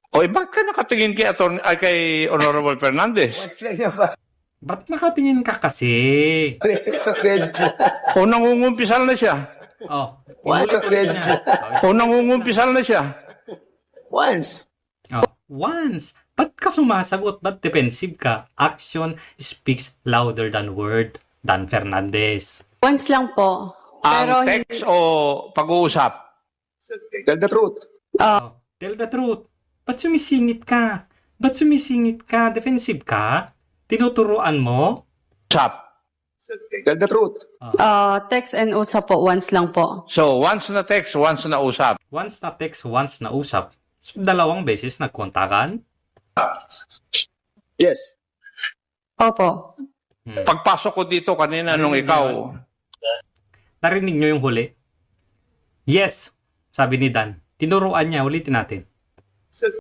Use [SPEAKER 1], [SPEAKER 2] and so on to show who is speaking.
[SPEAKER 1] O, bakit ka nakatingin kay Honorable Fernandez?
[SPEAKER 2] Once lang yan ba?
[SPEAKER 3] Ba't nakatingin ka kasi?
[SPEAKER 2] Sa question.
[SPEAKER 1] O, nangungumpisal na siya.
[SPEAKER 3] Oh,
[SPEAKER 2] What a
[SPEAKER 3] inulit-ulit
[SPEAKER 2] question.
[SPEAKER 3] niya.
[SPEAKER 1] O, nangungumpisal na siya.
[SPEAKER 2] Once.
[SPEAKER 3] Oh, once. Ba't ka sumasagot? Ba't defensive ka? Action speaks louder than word. Dan Fernandez.
[SPEAKER 4] Once lang po. Pero
[SPEAKER 1] Ang text o pag-uusap?
[SPEAKER 2] Tell the truth.
[SPEAKER 3] Oh, tell the truth. Ba't sumisingit ka? Ba't sumisingit ka? Defensive ka? Tinuturuan mo?
[SPEAKER 1] Usap.
[SPEAKER 2] Tell the truth.
[SPEAKER 4] text and usap po, once lang po.
[SPEAKER 1] So, once na text, once na usap.
[SPEAKER 3] Once na text, once na usap. So, dalawang beses nagkontakan?
[SPEAKER 2] Yes.
[SPEAKER 4] Opo.
[SPEAKER 1] Pagpasok ko dito kanina nung ikaw,
[SPEAKER 3] Narinig nyo yung huli? Yes, sabi ni Dan. Tinuruan niya, ulitin natin.